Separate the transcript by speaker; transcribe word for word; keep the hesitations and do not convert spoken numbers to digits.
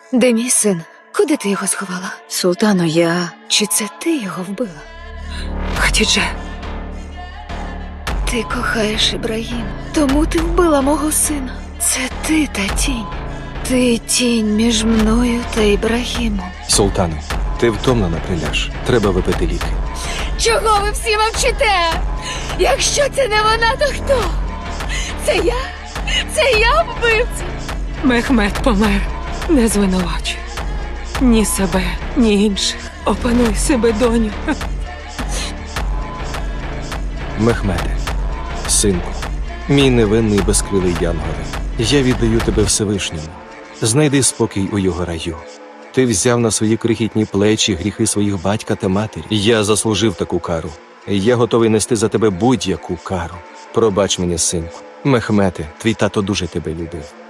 Speaker 1: Де мій син? Куди ти його сховала?
Speaker 2: Султано, я...
Speaker 1: Чи це ти його вбила?
Speaker 2: Хатідже,
Speaker 1: Ти кохаєш Ібрагіма, тому ти вбила мого сина. Це ти та тінь. Ти тінь між мною та Ібрагімом.
Speaker 3: Султане, ти втомлена, приляж. Треба випити ліки.
Speaker 1: Чого ви всі мовчите? Якщо це не вона, то хто? Це я? Це я вбивця?
Speaker 2: Мехмед помер. Не звинувачуй. Ні себе, ні інших. Опануй себе, доню.
Speaker 3: Мехмеде, синку, мій невинний безкрилий янголе, я віддаю тебе Всевишньому. Знайди спокій у його раю. Ти взяв на свої крихітні плечі гріхи своїх батька та матері. Я заслужив таку кару. Я готовий нести за тебе будь-яку кару. Пробач мені, синку. Мехмете, твій тато дуже тебе любив.